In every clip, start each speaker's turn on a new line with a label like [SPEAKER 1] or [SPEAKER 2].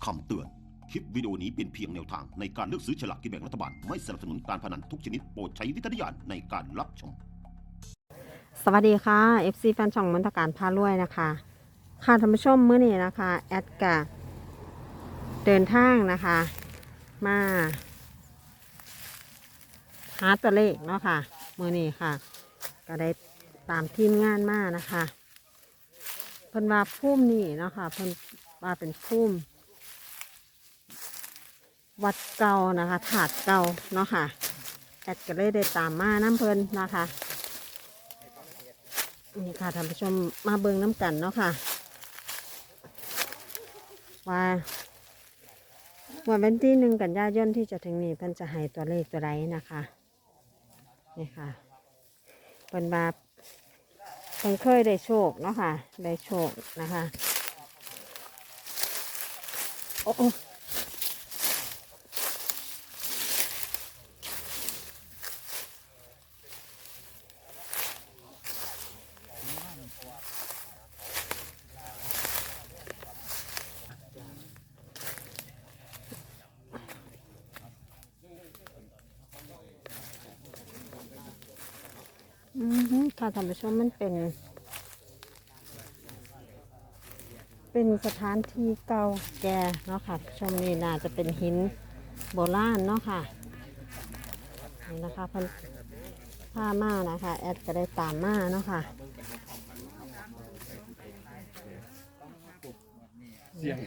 [SPEAKER 1] คำเตือน คลิปวิดีโอนี้เป็นเพียงแนวทางในการเลือกซื้อฉลากกินแบ่งรัฐบาล ไม่สนับสนุนการพนันทุกชนิดโปรดใช้วิจารณญาณในการรับชม
[SPEAKER 2] สวัสดีค่ะ FC แฟนช่องมนตการพารวยนะคะค่ะท่านผู้ชมมื้อนี้นะคะแอดกะเดินทางนะคะมาหาตัวเลขเนาะค่ะมื้อนี้ค่ะก็ได้ตามทีมงานมานะคะเพิ่นว่าภูมินี่เนาะค่ะเพิ่นว่าเป็นภูมิวัดเก่านะคะถาดเก่าเนาะค่ะแอดก็เลยได้ตามมาน้ำเพิ่นนะคะนี่ค่ะท่านผู้ชมมาเบิ่งน้ำกันเนาะค่ะว่าวันที่1 กันยายนที่จะถึงนี้เพิ่นจะให้ตัวเลขตัวใดนะคะนี่ค่ะเพิ่นว่าเพิ่นเคยได้โชคเนาะค่ะได้โชคนะคะโอ้ค่ะท่านผู้ชมมันเป็นสถานที่เก่าแก่เนาะค่ะชมนี่น่าจะเป็นหินโบราณเนาะค่ะนี่นะคะเพิ่นพามานะคะแอดก็ได้ตามมาเนาะค่ะ
[SPEAKER 3] เสียง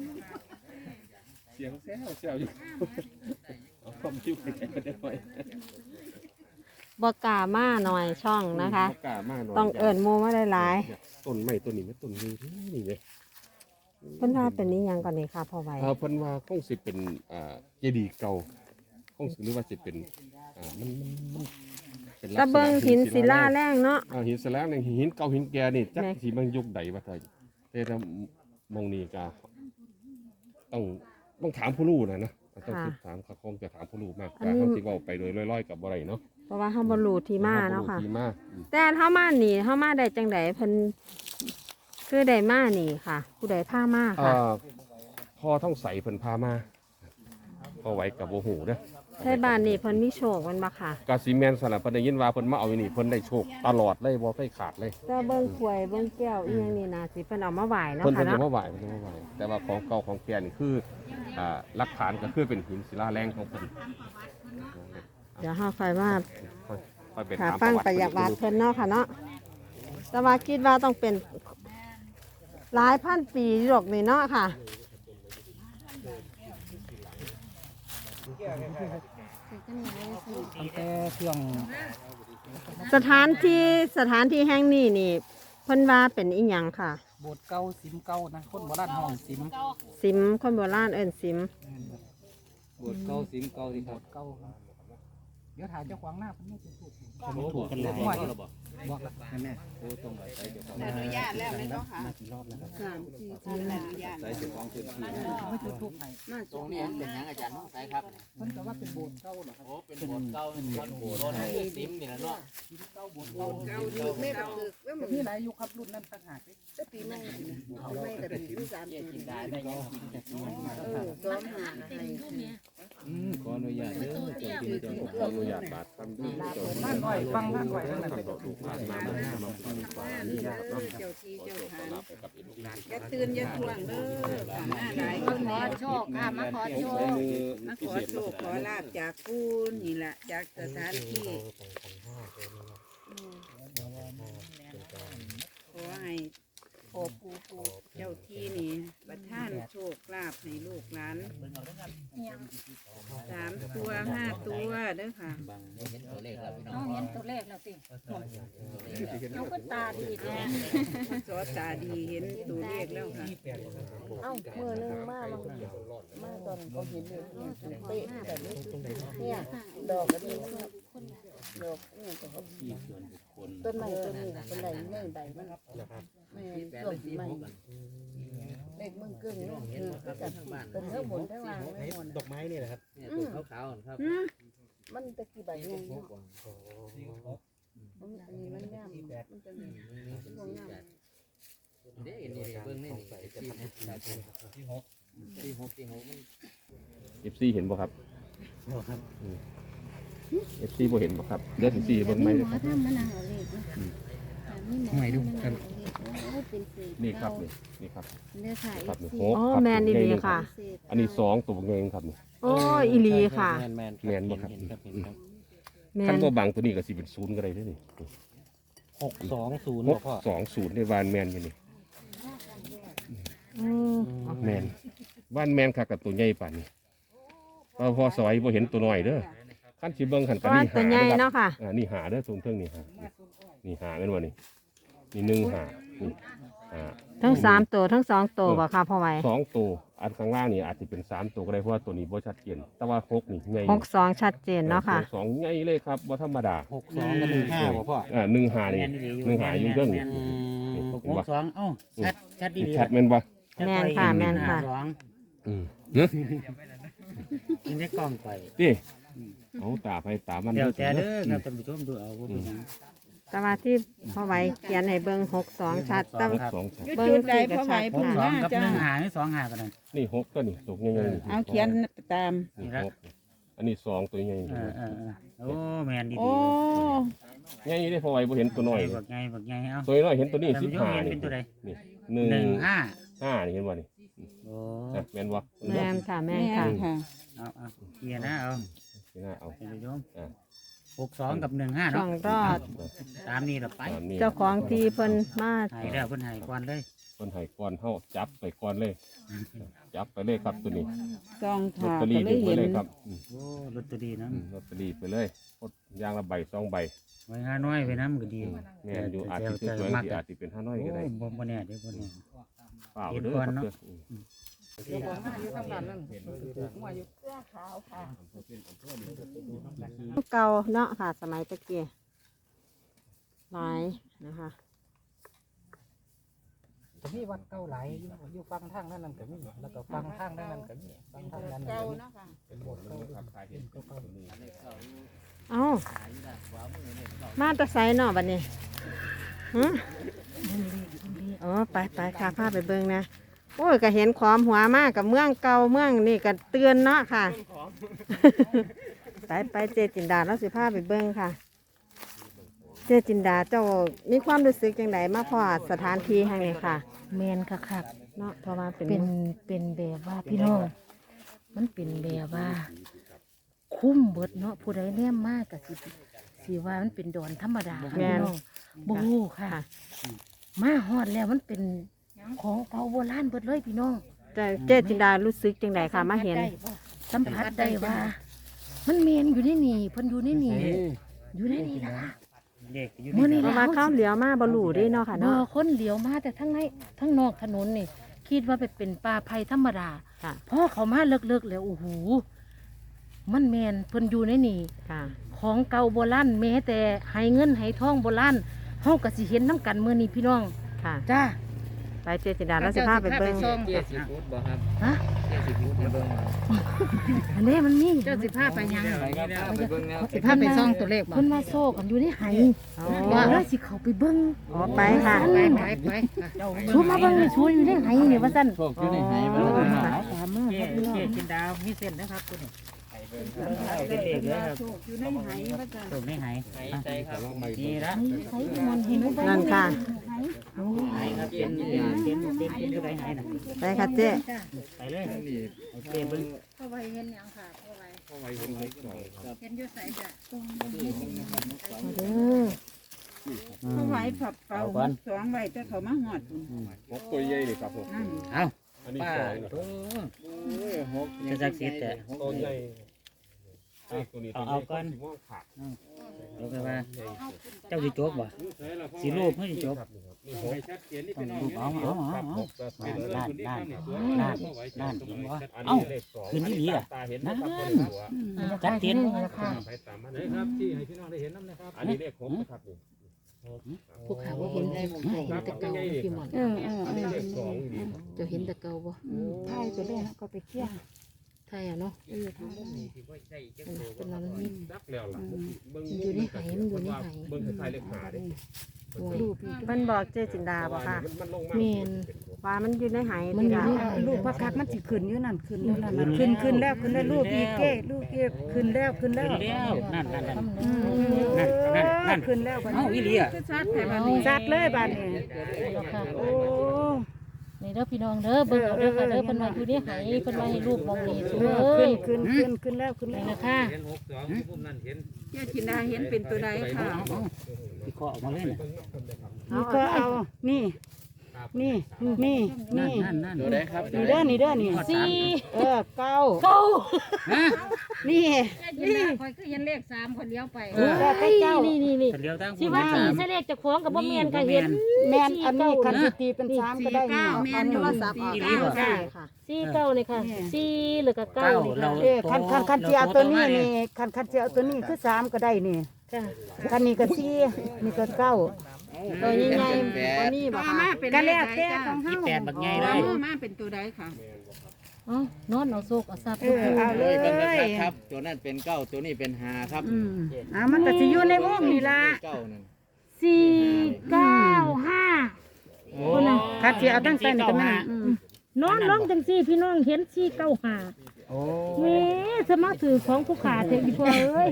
[SPEAKER 3] แซวอยู่เอาความคิดไปใจกันได้ไหม
[SPEAKER 2] บอกกล้ามาหน่อยช่องนะคะ
[SPEAKER 3] กล้ามาหน่อย
[SPEAKER 2] ต้องเอิญโมมาได้หลาย
[SPEAKER 3] ต้นไม้ต้นนี้ไม่ต้นนี้นี่เลย
[SPEAKER 2] เพิ่นว่าเป็นนี้ยังก่อนนี่ค่ะพ่อไว้
[SPEAKER 3] เพิ่นว่าคงสิเป็นเจดีย์เก่าคงสิหรือว่าสิเป็นมันเป็น
[SPEAKER 2] ตะเบิงหินศิลาแรงเนาะ
[SPEAKER 3] หินศิลาแรงหินเก่าหินแก่นี่จัก
[SPEAKER 2] แม่
[SPEAKER 3] สิมันยุคใดว่าไทยแต่ถ้ามองนี่ก็ต้องถามผู้รู้นะต้องคิดถามเขาคงจะถามผู้รู้มากกว่าเขาสิเว้าไปโดยลอยๆกับบ่ได้เนาะ
[SPEAKER 2] เพราะว่าเฮาบ่รู้ที่มาเนาะค่ะ
[SPEAKER 3] ที่มา
[SPEAKER 2] แต่เฮามานี่เฮามาได้จังไดเพิ่นคือได้มานี่ค่ะ ผู้ใดพามาค่ะ
[SPEAKER 3] พ่อต้องใส่เพิ่นพามาพอไหวกับโบหูเด้อ
[SPEAKER 2] ไทบ้านนี่เพิ่นมีโชคมันบ่ค่ะ
[SPEAKER 3] กาซีแมนสลับเพิ่นได้ยินว่าเพิ่นมาเอาอยู่นี่เพิ่นได้โชคตลอดเลยบ่เคยขาดเลย
[SPEAKER 2] แต่เบิ่งถ้วยเบิ่งแก้วอีหยังนี่น่าสิเพิ่นเอามาไหว้เนาะ
[SPEAKER 3] เพิ่น
[SPEAKER 2] ค่ะ
[SPEAKER 3] จะ
[SPEAKER 2] เนาะ
[SPEAKER 3] มาไหวเพิ่นจะมาไหวแต่ว่าของเก่าของแก่นี่คือหลักฐานก็คือเป็นหินศิลาแรงของเพิ่น
[SPEAKER 2] เดี๋ยวเฮาค่อยมา
[SPEAKER 3] ค่อยไป
[SPEAKER 2] ค่ะ
[SPEAKER 3] ถาม
[SPEAKER 2] ฟังประวัติเพิ่นเนาะค่ะเนาะแต่ว่าคิดว่าต้องเป็นหลายพันปีหรอกนี่เนาะค่ะ
[SPEAKER 4] ตั้งแต่ช่วง
[SPEAKER 2] สถานที่แห่งนี้นี่เพิ่นว่าเป็นอีหยังค่ะ
[SPEAKER 4] โบสถ์เก่าสิมเก่านะคนโบราณห้องสิม
[SPEAKER 2] สิมคนโบราณเอิ้นสิม
[SPEAKER 5] บทเก้าสิงเก้าสิครับ
[SPEAKER 4] เก่าครับเดี๋ยวถ่ายเจ้าขวางหน้าเพิ่นไม่จะถูก
[SPEAKER 5] เขาไม่ถูกกันเลย
[SPEAKER 4] ว่า
[SPEAKER 5] ก็ระบอก
[SPEAKER 4] บอกแล้วแม่
[SPEAKER 5] โอ้ตรงไหนใส่เจ้าของ
[SPEAKER 6] อนุญาตแล้วเลยเนาะค่ะ
[SPEAKER 4] มากี่รอบแล้วครับ
[SPEAKER 6] อนุญาต
[SPEAKER 5] ใส่เจ้าของพื้นที่
[SPEAKER 4] ไม่ถูกทุกไหน
[SPEAKER 6] มาตรง
[SPEAKER 5] นี้
[SPEAKER 6] นี้
[SPEAKER 5] เป็นยังอาจารย์ใส่ครับ
[SPEAKER 4] เพิ่นก็ว่าเป็นโบสถ์เก่าเหรอครับ
[SPEAKER 5] โอ้เป็นบทเก้าเป็นบทซิมนี่แหละเนาะ
[SPEAKER 4] สิมเก่าโบสถ์เก่า
[SPEAKER 6] เก่าอยู่ไม่เก่าแล้วมัน
[SPEAKER 4] มีหลายยุคครับรุ่นนั้นต่างหาก
[SPEAKER 6] จะปีใหม่ไม่แต่ปีที่3
[SPEAKER 5] กิน
[SPEAKER 6] ปี
[SPEAKER 5] ได้ได้ยังกินจากที่มันมา
[SPEAKER 6] ซ้อมหาอะไร
[SPEAKER 5] ขออนุญาตเด้อเจ้าที่เจ้า
[SPEAKER 3] ขออนุญาตบาดทำที่เจ้า
[SPEAKER 4] บ้านหน่อยฟังบ้านหน่อยนั่นแหละ
[SPEAKER 3] ถูกผ่านมาฟังฟังนี่นะครับเนาะ
[SPEAKER 6] เจ้าที่เจ้าทาง
[SPEAKER 3] รับไปกับอีกลูกหลาน
[SPEAKER 6] อย่าตื่นอย่าทวงเด้อหน้าหลาย
[SPEAKER 7] มาขอโชคค่ะมาขอโชค
[SPEAKER 6] มาขอโชคขอลาบจากผู้นี่แหละจากสถานที่ขอให้พ่อปู่เจ้าที่นี่ประทานโชคลาภให้ลูกหลาน3 ตัว 5 ตัวเด้อค่ะ
[SPEAKER 5] บางเห็นตัวเลขแล้วพี่น้
[SPEAKER 7] น้
[SPEAKER 5] อ
[SPEAKER 7] อง งเห็นตัวเลขแล้วสิน้องก็ตาดีแท้
[SPEAKER 6] สอตาดีเห็นตัวเลขแล้วค่ะ
[SPEAKER 2] เอ้ามือนึงมาตอนเขาเห็นเลยเป๊ะแบบนี้เนี่ยดอกก็ดีดอกเนี่ยก็
[SPEAKER 5] ที่ส่วนบุคคล
[SPEAKER 2] ต้นไม้ต้นนี้เป็นไรไม่ใบมันไม่ต้นไม้เล็กมึงกึ่งนี่คือกับเป็นเท่าบนเท่าล่างไม่หมด
[SPEAKER 4] ดอกไม้นี่แหละครับ
[SPEAKER 5] เนี่ยตัวขาวๆครับ
[SPEAKER 2] มันตะกี้ใบไงเนาะอันนี้มันงามมันจะมีพวกงาม
[SPEAKER 5] เด้นี่เบิ่งนี่ที่
[SPEAKER 3] FC เห็นบ่ครับFC บ่เห็นบ่ครับเดี๋ยวสิเบิ่งไหมครับ
[SPEAKER 4] หวยดูกัน
[SPEAKER 3] นี่ครับนี่ครับ
[SPEAKER 2] เนี่ยค่ะ
[SPEAKER 3] ครับนี่
[SPEAKER 2] อ๋อ
[SPEAKER 3] ครับ
[SPEAKER 2] แมนดีๆค่ะ
[SPEAKER 3] อันนี้2ตัวเองครับนี่
[SPEAKER 2] โอ้อีหลีค่ะ
[SPEAKER 5] แมน
[SPEAKER 3] แม่นบ่ครับ
[SPEAKER 5] เห็นครับเห็นครับ
[SPEAKER 2] แม
[SPEAKER 3] คัน
[SPEAKER 2] น
[SPEAKER 3] บ่บางตัวนี้ก็สิเป็น0ก็ได้เด้อนี่
[SPEAKER 5] 620บ่พ่อ
[SPEAKER 3] 620ในวานแมนอยู่นี่
[SPEAKER 2] อืม
[SPEAKER 3] แมนบ้านแมนค่ะกับตัวใหญ่ป่านนี้พอสอยบ่เห็นตัวน้อยเด้อขั้นสิเบิ่งขัน
[SPEAKER 2] เพ
[SPEAKER 3] กัน
[SPEAKER 2] ราะว่า
[SPEAKER 3] นี่
[SPEAKER 2] ตัว
[SPEAKER 3] หา
[SPEAKER 2] ใหญ่
[SPEAKER 3] เด้อครั
[SPEAKER 2] เนาะ
[SPEAKER 3] บ
[SPEAKER 2] ค่ะ
[SPEAKER 3] นี่หาเด้อตรงเทิงนี่หานี่หาแม่นบ่นี่นี่1หานี่หา
[SPEAKER 2] ทั้ง3ตัวทั้ง2ตัวบ่ค่ะพ่อไว้
[SPEAKER 3] 2ตัวอันข้างล่างนี่อาจจะเป็น3ตัวก็ได้เพราะว่าตัวนี้บ่ชัดเจนแต่ว่า6นี่ใหญ่
[SPEAKER 2] 62ชัดเจนเนาะค่ะ
[SPEAKER 3] 2ใหญ่เลยครับบ่ธรรมดา
[SPEAKER 5] 62กับ15บ่พ่อ
[SPEAKER 3] 1หานี่1หาอยู่เทิงนี่นี่
[SPEAKER 4] หก
[SPEAKER 3] เห็นบ่
[SPEAKER 4] สองเอ้าชัดดี
[SPEAKER 3] ชัดแม่นบ่
[SPEAKER 2] แม่นค่ะแม่นค่ะ
[SPEAKER 4] สอง
[SPEAKER 3] อืมเนาะ
[SPEAKER 4] กินได้กล้องไป
[SPEAKER 3] ติเอาตาไปตามัน
[SPEAKER 4] เดี๋ยวแต่
[SPEAKER 3] เด้
[SPEAKER 4] เด้
[SPEAKER 3] อ
[SPEAKER 4] อครับท่านผู้ชมดูเอาว่าเป็นหยัง
[SPEAKER 2] แต่ว่าที่พ่อไว้เขียนให้เบิ่ง62ชัดแต่
[SPEAKER 3] สองชัด
[SPEAKER 6] จุดใดพ่อไหว
[SPEAKER 4] ห
[SPEAKER 6] ผู้
[SPEAKER 4] กส
[SPEAKER 6] ห
[SPEAKER 4] อง
[SPEAKER 6] น้า
[SPEAKER 4] กับ
[SPEAKER 6] จ้า
[SPEAKER 4] 1หานี่2หากันนั่น
[SPEAKER 3] นี่6ก็นี่ตกใหญ่ๆนี่
[SPEAKER 6] เอาเขียนตาม
[SPEAKER 3] นี่หกอันนี้2ตัวใหญ่
[SPEAKER 4] โอ้แมนดี
[SPEAKER 6] โอ้
[SPEAKER 3] ใหญ่ได้พอไว้บ่เห็นตัวน้อย
[SPEAKER 4] บักไงบักไงเอา
[SPEAKER 3] ตัวน้อยเห็นตัวนี้
[SPEAKER 4] ท่านผู้ชมเห็น
[SPEAKER 3] 15
[SPEAKER 4] เป็
[SPEAKER 3] นี่
[SPEAKER 4] นตัวใด
[SPEAKER 3] นี่
[SPEAKER 4] 1 5
[SPEAKER 3] 5นี่เห็นบ่นี่
[SPEAKER 4] โอ้
[SPEAKER 3] นะแม่นบ่
[SPEAKER 2] แม่นค่ะแม่น
[SPEAKER 6] แม่
[SPEAKER 2] ค่ะ
[SPEAKER 6] ค่ะ
[SPEAKER 4] เอาเกียร์นะเอา
[SPEAKER 3] นี่นะเอา
[SPEAKER 4] ท่านผู้ชม
[SPEAKER 3] อ่า
[SPEAKER 4] 62กับ1 5
[SPEAKER 2] ช่
[SPEAKER 4] เนาะ
[SPEAKER 2] องรอด
[SPEAKER 4] ตามนี้เราไป
[SPEAKER 3] ตามนี้
[SPEAKER 2] เจ้าของที่เพิ่นมา
[SPEAKER 4] ให้แล้วเพิ่นให้ก่อนเลย
[SPEAKER 3] เพิ่นให้ก่อนเฮาจับไปก่อนเลย จับไปเลยครับตัวนี้
[SPEAKER 6] ซอง
[SPEAKER 3] ลอต
[SPEAKER 6] ขา
[SPEAKER 3] เตอ
[SPEAKER 6] ก็
[SPEAKER 3] รี่
[SPEAKER 6] เล
[SPEAKER 3] ดึ
[SPEAKER 6] ย
[SPEAKER 3] งไป
[SPEAKER 6] เห็น
[SPEAKER 3] เลยครับ
[SPEAKER 4] โอ้ลอตเตอรี่นะ
[SPEAKER 3] ลอตเตอรี่ไปเลยกดยางละใบ2ใบ
[SPEAKER 4] ไว้ห้าน้อยไว้น้ำก็ดี
[SPEAKER 3] แม่นอยู่อาจสิสวยๆสิอาจสิเป็น5น้อยก็ได้
[SPEAKER 4] บ่แน่เดี๋ยวบ่แน่
[SPEAKER 3] เปล่าเด้อครับเด้อ
[SPEAKER 2] เก่าเนาะค่ะ สมัยตะเกียหลายนะคะ
[SPEAKER 4] ก็มีวัดเก่าหลายอยู่ฟังทางนั้นนั่นก็มีแล้วก็ฟังทางนั้นก็มีฟังทางนั้น
[SPEAKER 6] เก่า
[SPEAKER 4] ก็มี
[SPEAKER 6] เนาะค่ะ
[SPEAKER 4] เป็นโบสถ์เก่าด้วย
[SPEAKER 2] เอ้ามาแตะไซเนาะบัดนี้ฮะอ๋อไปค่ะพาไปเบิ่งนะโอ้ยก็เห็นความหัวมากกับเมืองเก่าเมืองนี่ก็เตือนเนาะค่ะ ไปเจจินดาแล้วสิพาไปเบิ่งค่ะ เจจินดาเจ้ามีความรู้สึกยังไงมาพอสถานที่แห่งนี้ค่ะ
[SPEAKER 7] แมนค่ะค่ะ
[SPEAKER 2] เนาะเพราะว่าเป็น
[SPEAKER 7] เป็นแบบว่าพี่น้อง มันเป็นแบบว่า คุ้มเบิดเนาะผู้ใดแนมมากกับสิว่ามันเป็นดอนธรรมดาค่ะพี่น้องบูค่ะ มาฮอดแล้วมันเป็นของเก่าโบราณเบิดเลยพี่น้อง
[SPEAKER 2] แต่เจจินดารู้สึกจังไดค่ะมาเห็น
[SPEAKER 7] สัมผัสได้ว่า มันเมนอยู่ในนี่เพิ่นอยู่ในนี่อยู่ในนี่นะคะ
[SPEAKER 4] เด็กอยู่
[SPEAKER 7] มื้อนี้
[SPEAKER 2] เพราะว่าข้าวเหลียวมาบรูด้วยเนาะค่ะ
[SPEAKER 7] บ่
[SPEAKER 2] เนาะ
[SPEAKER 7] คนเหลียวมาแต่ทั้งในทั้งนอกถนนนี่ คิดว่าเป็นป่าไผ่ธรรมดา
[SPEAKER 2] ค่ะ
[SPEAKER 7] พอเขามาเลิกๆแล้วโอ้โหมันแมนเพิ่นอยู่ในนี่
[SPEAKER 2] ค่ะ
[SPEAKER 7] ของเก่าโบราณแม้แต่ให้เงินให้ทองโบราณเฮาก็สิเห็นน้ำกันมื้อนี้พี่น้อง
[SPEAKER 2] ค่ะ
[SPEAKER 7] จ้า
[SPEAKER 2] ไปเจจินดาแล้วสิพาไปเบิ่ง
[SPEAKER 5] เกียร์สีฟุตบ่ครับ
[SPEAKER 7] ฮะ
[SPEAKER 5] เกียร์สีฟุตมาเบิ่ง
[SPEAKER 7] อันนี้มันมี
[SPEAKER 6] เจ้าสิพาไปยัง
[SPEAKER 5] ไปครับไปเบิ่งแล้ว
[SPEAKER 6] สิพาไปซ่องตัวเลขบ่
[SPEAKER 7] เพิ่นมาโซ่กันอยู่ในไห
[SPEAKER 2] อ๋อ
[SPEAKER 7] ว่าแล้วสิเข้าไปเบิ่ง
[SPEAKER 2] อ๋อไปค่ะ
[SPEAKER 6] ไป
[SPEAKER 7] ชูมาเบิ่งชูอยู่ในไหนี่ว่าซั่น
[SPEAKER 5] โชคอยู่ในไหบ่
[SPEAKER 7] โอ้
[SPEAKER 5] ล่ะ
[SPEAKER 7] ยตามมา
[SPEAKER 4] เจ๊
[SPEAKER 7] ครับพี่น้อง
[SPEAKER 4] กินดาวมีเส้นนะครับคุณเป็นเด็กเลยครับ
[SPEAKER 6] ถูกอยู่ในไหว่าจ้ะ
[SPEAKER 4] ตรงนี้หาย
[SPEAKER 5] ใจครับ
[SPEAKER 4] นี่ละ
[SPEAKER 7] ใส่มันเห็นบ่
[SPEAKER 2] นั่นค่ะ
[SPEAKER 4] หายครับเป็นคือไรหายนะ
[SPEAKER 2] ไปค่ะเจ๊
[SPEAKER 4] ไปเลยเจ๊เบิ้ง
[SPEAKER 6] พ่อไว้เห็นหยังค่ะพ่อไว้
[SPEAKER 3] เข้าไว้เห็นเลขสองครับ
[SPEAKER 6] เห็นอยู่ไสจ้ะ
[SPEAKER 2] มาเด้อ
[SPEAKER 6] พ่อไว้ผับเป่าสองไว้แต่เขามาหอดพุ่น
[SPEAKER 3] หกตัวใหญ่เลยครับผม
[SPEAKER 6] นั่น
[SPEAKER 4] เอา
[SPEAKER 3] อันนี้
[SPEAKER 4] ป้า
[SPEAKER 3] สองนะ
[SPEAKER 4] โอ้
[SPEAKER 5] หก
[SPEAKER 4] จะจักสิแต่
[SPEAKER 3] ตัวใหญ่ตัวนี้ตัวใหญ่ก็สิม่วงขาด
[SPEAKER 4] เดี๋ยวไปว่าเจ้าสิจบบ่สิรูปไม่สิจบ
[SPEAKER 3] นี่หกชัดเจนนี่
[SPEAKER 4] ต้
[SPEAKER 3] เป็
[SPEAKER 4] อน งรูปเอา
[SPEAKER 3] ครับหกเป็น
[SPEAKER 4] ด้านเห็นบ่
[SPEAKER 3] อัน
[SPEAKER 4] เอ้า
[SPEAKER 3] นี้เลขสอง
[SPEAKER 4] คืนนี้ดีอ่ะ
[SPEAKER 3] ตาเห็นนะครับคนหัว
[SPEAKER 4] จัดเตียน
[SPEAKER 7] ค่ะ
[SPEAKER 3] ไปตามมันนะครับที่ให้พี่น้องได้เห็นน้ำนะครับอันนี้เลขหกนะครับนี่
[SPEAKER 7] พวกเขาว่าเห็นได้เห็นแต่เก่าพี่หมอน
[SPEAKER 3] อันนี้เลขสองดี
[SPEAKER 7] จะเห็นแต่เก่าบ่
[SPEAKER 6] ถ่ายไปเลยนะก็ไปเกี่ยง
[SPEAKER 7] ไทยอ่ะเนาะเป็นมันมี
[SPEAKER 3] รักแล้วล่ะเบิ่ง
[SPEAKER 7] อยู่ในไหมันอยู่ในไห
[SPEAKER 3] เบิ่งคล้ายๆเลขหาเด้
[SPEAKER 7] รูป
[SPEAKER 2] มันบอกเจจินดาบ่ค่ะ
[SPEAKER 3] มันลงมา
[SPEAKER 7] เมน
[SPEAKER 2] ว่ามันอยู่ในไห
[SPEAKER 7] มันอยู่ใน
[SPEAKER 2] ที่
[SPEAKER 7] ไห
[SPEAKER 8] ลูกพระคักมันสิขึ้นอยู่นั่นขึ้นอยู่นั่นน่ะขึ้นแล้วขึ้นแล้วลูกอีกเก้ลูกอีกขึ้นแล้วขึ้นแล้ว
[SPEAKER 5] แล้วนั่นนั่นนั่น
[SPEAKER 8] นั่นขึ้นแล้วบัด
[SPEAKER 5] เอ้า
[SPEAKER 8] นี้
[SPEAKER 5] อีหลีอ่ะ
[SPEAKER 6] คือชัดแต่บัดนี้
[SPEAKER 8] จัดเลยบัดนี้
[SPEAKER 7] ค่ะ
[SPEAKER 8] โอ้
[SPEAKER 7] นี่เด้อพี่น้องเด้อเบิ่งเอาเด้อค่ะเด้อเพิ่นว่าอยู่ในไหเพิ่นว่าให้รูปมองนี่สวย
[SPEAKER 8] ขึ้นแล้วขึ้น
[SPEAKER 7] นี่
[SPEAKER 8] แล้ว
[SPEAKER 7] นะคะ
[SPEAKER 6] เจ้าจินดาเห็นเป็นตัวใดค่ะ
[SPEAKER 5] ที่เคาะออกมาเลยน่ะ
[SPEAKER 8] นี่ก็เอานี่นี่
[SPEAKER 5] นั่นนั่นตัวใดครับ
[SPEAKER 8] นี่เด้อนี่
[SPEAKER 7] สี่
[SPEAKER 8] เก้า
[SPEAKER 7] เก้า
[SPEAKER 8] นี่
[SPEAKER 6] คอยคือเห็นเลข3คนเลี้ยวไป
[SPEAKER 8] เก้า
[SPEAKER 7] นี่
[SPEAKER 5] เลี้ยวทาง
[SPEAKER 7] สิว่าสี่ใส่เลขเจ้าของก็บ่แม่นก็เห็น
[SPEAKER 8] แม่นอันนี้คันสิตีเป็น3ก็ได้นี่
[SPEAKER 6] แม่นโทรศัพท์ออก9ค่ะ
[SPEAKER 7] สี่เก้านี่ค่ะสี่หรือก็เก้านี่ค่ะ
[SPEAKER 8] คันสิเอาตัวนี้นี่คันสิเอาตัวนี้คือ3ก็ได้นี่
[SPEAKER 7] จ้ะ
[SPEAKER 8] คันนี้ก็4นี่ก็9
[SPEAKER 7] ตัวใหญ่ๆบ่มีบ่
[SPEAKER 6] ต่อ
[SPEAKER 7] ค่ะ
[SPEAKER 6] มาเป็น
[SPEAKER 8] ก็
[SPEAKER 6] เล
[SPEAKER 8] แล้ว
[SPEAKER 6] ขใด
[SPEAKER 8] แต่
[SPEAKER 6] จ้า
[SPEAKER 8] ของเฮา
[SPEAKER 5] แปดบักใหญ่
[SPEAKER 6] ต่
[SPEAKER 5] เล
[SPEAKER 6] อย มาเป็นตัวใดค่ะ
[SPEAKER 7] เอ้านอนเอาโศกเอาทรัพย์
[SPEAKER 8] เอาเล
[SPEAKER 5] เลย
[SPEAKER 8] ย
[SPEAKER 5] เบิ่งนะครับครับ ตัวนั้นเป็น9ตัวนี้เป็น5ครับ
[SPEAKER 8] มันก็สิอยู่ในวงนี่ล่ะ
[SPEAKER 5] 9นั่น
[SPEAKER 7] สี่เก้าห้า
[SPEAKER 5] คนน่ะ
[SPEAKER 8] คันสิเอาตั้งแต่นี่ก็แม่น
[SPEAKER 7] นอนร้องจังสี่พี่น้องเห็นสี่เก้าห้า
[SPEAKER 5] โอ้
[SPEAKER 7] แม่สมาถือของผู้ขาเถอะอีพ่อเอ้ย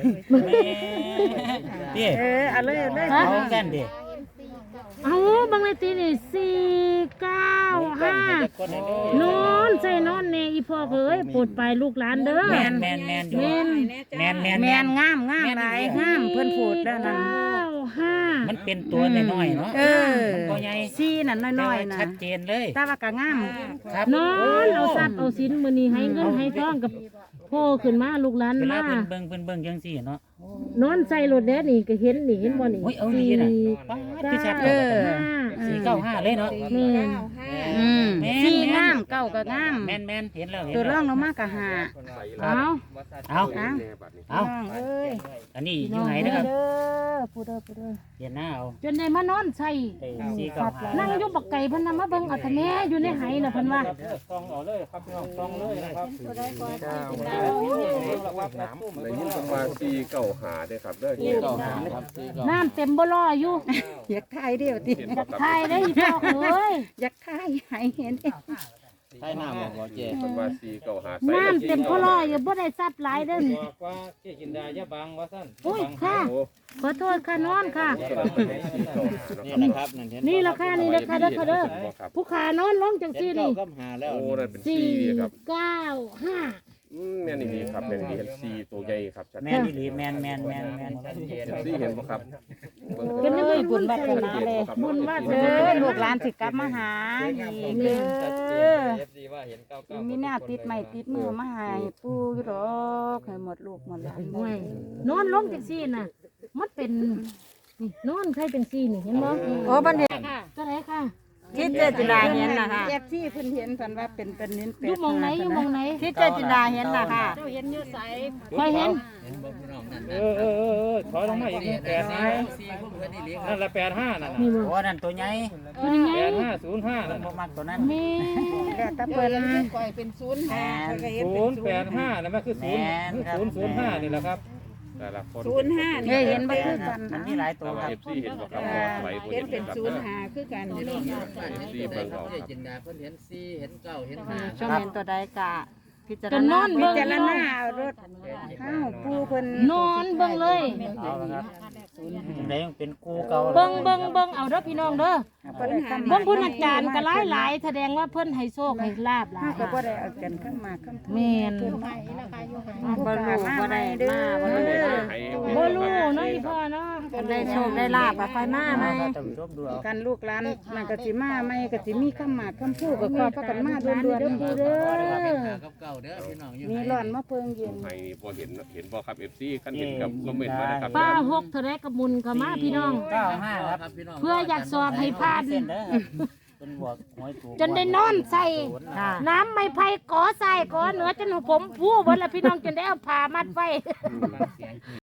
[SPEAKER 5] พี่
[SPEAKER 8] เอาเลย
[SPEAKER 5] เอากันดิ
[SPEAKER 7] เอาบางเลยตีนี่สี่เก้าห้านอนใส่นอนเนอีพ่อเอ้ยโปรดไปลูกหลานเด้อ
[SPEAKER 5] แมนอยู่แมน
[SPEAKER 8] แม่นงามหลายงามเพิ่นพูดแล้วนั่น
[SPEAKER 7] เก้าห้า
[SPEAKER 5] มันเป็นตัวน้อยๆเนาะมันบ่ใหญ่
[SPEAKER 8] ซีนั่นน้อยๆน่ะ
[SPEAKER 5] ชัดเจนเลย
[SPEAKER 8] แต่ว่าก็งาม
[SPEAKER 5] ครับ
[SPEAKER 7] นอนเอาทรัพย์เอาสินมื้อนี้ให้เงินให้ทองกับพ่อขึ้นมาลูกหลาน
[SPEAKER 5] เวลา
[SPEAKER 7] มา
[SPEAKER 5] เบิ่งจังซี่เนาะ
[SPEAKER 7] นอนใส่รถแดดนี่ก็เห็นนี่เห็นบ่นี่
[SPEAKER 5] โอ้ยเอาดีน่ะป๊าดที่ชัด
[SPEAKER 7] เก้า
[SPEAKER 5] เลย
[SPEAKER 7] ห้า
[SPEAKER 5] 495เลยเนาะ
[SPEAKER 7] แม่น
[SPEAKER 8] ซีงามเก้าก็งาม
[SPEAKER 5] แม่นเห็นแล้วเห็น
[SPEAKER 8] ตัวร่
[SPEAKER 5] แล้
[SPEAKER 8] อ
[SPEAKER 5] ว
[SPEAKER 8] งลงมาก็หา
[SPEAKER 7] เอา
[SPEAKER 5] เอา
[SPEAKER 8] เอา
[SPEAKER 5] เอา
[SPEAKER 8] เอ้ย
[SPEAKER 5] อันนี้อยู่ไหนนะครับ
[SPEAKER 8] เด้อผู้เด้อ
[SPEAKER 5] เห็นหน้าเอา
[SPEAKER 7] จนได้มานอนใส่
[SPEAKER 5] 495
[SPEAKER 7] นั่งอยู่บักไก่เพิ่นน่ะมาเบิ่งเอาแต่แม่อยู่ในไหน่ะเพิ่นว่า
[SPEAKER 4] ซองเอาเลยครับพี่น้องซองเลยนะครับ
[SPEAKER 3] ได้ยินประมาณ4 9หาเด้อครับเด้อ
[SPEAKER 5] 495ครับ
[SPEAKER 7] น้ำเต็มบ่รออยู่
[SPEAKER 8] อยากถ่ายเดียวติ
[SPEAKER 3] เห็นบ่ครับ
[SPEAKER 7] ทายได้อีพ่อเอ้ย
[SPEAKER 8] อยากถ่ายให้เห็น
[SPEAKER 5] ใช่หน้าบอกว่าเจ๊
[SPEAKER 3] ประมาณ4 9หา
[SPEAKER 7] น้ำเต็มบ่รออยู่บ่ได้ซับหลายเด้อ
[SPEAKER 4] บอกว่าเจ๊จินดาอย่าบังว่าซั่น
[SPEAKER 7] อุ้ยค่ะ
[SPEAKER 3] โอ้
[SPEAKER 7] ขอโทษค่ะนอนค่ะ
[SPEAKER 5] นี่นะครับนั่นเห็น
[SPEAKER 7] นี่ราคานี่ราคาเด้อค่ะเด้อผู้ขานอนลงจังซี่นี่
[SPEAKER 5] ก็หาแล้ว
[SPEAKER 3] โอ้นั่นเป็น
[SPEAKER 7] สี่
[SPEAKER 3] 4ครับ
[SPEAKER 7] เก้าห้า
[SPEAKER 3] แม่นดีครับแม่นดีเห็น4ตัวใหญ่ครับชัด
[SPEAKER 5] แม่นอีหลีแม่น
[SPEAKER 3] ซี่เห็นบ่ครับ
[SPEAKER 7] เป็นยังไง
[SPEAKER 8] บุญวาสนาเลย
[SPEAKER 7] บุญวาส
[SPEAKER 8] เด้
[SPEAKER 7] นา
[SPEAKER 8] อลูกหลานสิกลับมาหาอีกเด้อมีแนวติดไม้ติดมือมาให้ปู่อยู่ดอกให้หมดลูกหมดหลาน
[SPEAKER 7] โอ้ยนอนลงจังซี่น่ะมันเป็นนี่นอนใครเป็นซี่นี่เห็นบ่
[SPEAKER 8] โอ้บัดนี้
[SPEAKER 7] ค่ะตัวไหนค่ะ
[SPEAKER 2] ที่เจจินดาเห็นน่ะค่ะ
[SPEAKER 8] เอฟซีเพิ่นเห็นเพิ่นว่าเป็นเน้นเป็
[SPEAKER 7] อยู่หมองไหนอยู่หมองไหน
[SPEAKER 2] ที่เจจินดาเห็นน่ะค่ะ
[SPEAKER 7] เจ้าเห็นอยู่ไสคอยเห็น
[SPEAKER 4] ถอยลงมาอีกนิด8นะนั่นละ85นั่น
[SPEAKER 7] นี่บ่
[SPEAKER 5] โอ้นั่นตัวใหญ่
[SPEAKER 7] ตัวนี้ไง
[SPEAKER 4] 8505นั่น
[SPEAKER 5] บ่มักตัวนั้น
[SPEAKER 7] แม่
[SPEAKER 8] แล้วแต่เพิ่น
[SPEAKER 6] ปล่อยเป็น05ก็เห็นเป็น
[SPEAKER 4] 085นั่นมันคือ005นี่แหละครับ
[SPEAKER 3] แต่ละคน
[SPEAKER 6] 05นี่
[SPEAKER 8] เห็นบ่คือกัน
[SPEAKER 5] มัน
[SPEAKER 8] นะ
[SPEAKER 5] มีหลายตัว
[SPEAKER 3] แต่ว่า
[SPEAKER 5] ครับ
[SPEAKER 3] FC เห็นบ่ครับบ่ไหลบ่
[SPEAKER 6] เห็
[SPEAKER 3] เห็
[SPEAKER 6] น
[SPEAKER 3] น
[SPEAKER 6] เป็น
[SPEAKER 3] ครับ
[SPEAKER 6] 05คือกันนี่
[SPEAKER 3] FC เบิ่งเอาครับ
[SPEAKER 5] จินดาเพิ่นเห็น4เห็น9เห็น
[SPEAKER 2] ชมเห็นตัวใดกะพิจาร
[SPEAKER 7] ก็น
[SPEAKER 2] ณา
[SPEAKER 7] อน
[SPEAKER 8] พิ
[SPEAKER 7] เบิ่ง
[SPEAKER 8] จารณาเอารถเอ้าปู่เพิ่น
[SPEAKER 7] นอนเบิ่งเลย
[SPEAKER 5] เอาละครับจังได๋ยังเป็นกูเก่า
[SPEAKER 7] เบิ่งเอาเด้อพี่น้องเด้อ
[SPEAKER 8] บ่ได้คำ
[SPEAKER 7] เบิ่งเพิ่นอาจารย์ก็หลายๆแสดงว่าเพิ่นให้โชคให้ลาบหลา
[SPEAKER 8] เฮาย ก็บ่ได้เอากันข้างมาข้าง
[SPEAKER 7] แม่น
[SPEAKER 2] บ่รู้บ่ได้มาบ่ได้มา
[SPEAKER 7] บ่รู้เนาะอีพ่อเนาะ
[SPEAKER 2] คนได้โชคได้ลาบก็ค่อยมาไหม
[SPEAKER 5] ท่านผู้ชมดูเอา
[SPEAKER 8] กันลูกหลานมันก็สิมาใหม่ก็สิมีคำหมากคำพูดก็ขอพากันมาด่วน
[SPEAKER 7] เด้อปูเด้อ
[SPEAKER 5] กับเก่าเด้อพี่น้องอยู่
[SPEAKER 8] ๆมีร้อนมาเพิงเย็น
[SPEAKER 3] ให้บ่เห็นบ่ครับ FC คันเห็นกับคอมเมนต์มานะครับ
[SPEAKER 7] ป้าหกเท่าไรกับมุนเข้ามาพี่น้อง
[SPEAKER 5] 95ครับพี่น้อง
[SPEAKER 7] เพื่ออยากสอบให้ผ่าน
[SPEAKER 5] เส้นเด้อครับเป็นบวกหวยถูก
[SPEAKER 7] จนได้นอนใส่ น้ำไม่ไผ่ก่อใส่ก่อเหนือจนผมผู้เบิดละพี่น้องจนได้เอาผ้ามัดไว้